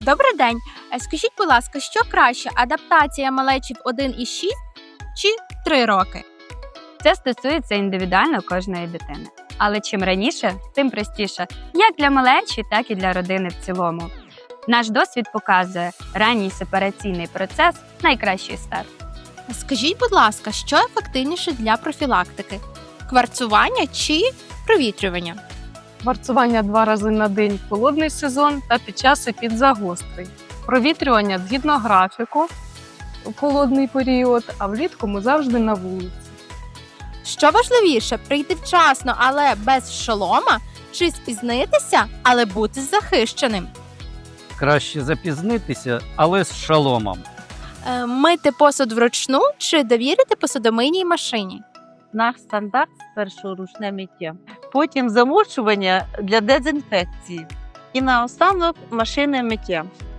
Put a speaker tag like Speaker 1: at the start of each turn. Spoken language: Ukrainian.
Speaker 1: Добрий день. Скажіть, будь ласка, що краще, адаптація малечі в 1,6 чи 3 роки?
Speaker 2: Це стосується індивідуально кожної дитини. Але чим раніше, тим простіше, як для малечі, так і для родини в цілому. Наш досвід показує, ранній сепараційний процес – найкращий старт.
Speaker 1: Скажіть, будь ласка, що ефективніше для профілактики? Кварцування чи провітрювання?
Speaker 3: Варцування 2 рази на день в холодний сезон та під час епідзагострень. Провітрювання згідно графіку в холодний період, а влітку ми завжди на вулиці.
Speaker 1: Що важливіше, прийти вчасно, але без шолома, чи спізнитися, але бути захищеним?
Speaker 4: Краще запізнитися, але з шоломом.
Speaker 1: Мити посуд вручну чи довірити посудомийній машині?
Speaker 5: Наш стандарт спершу ручне миття, потім замочування для дезінфекції і наостанок машинне миття.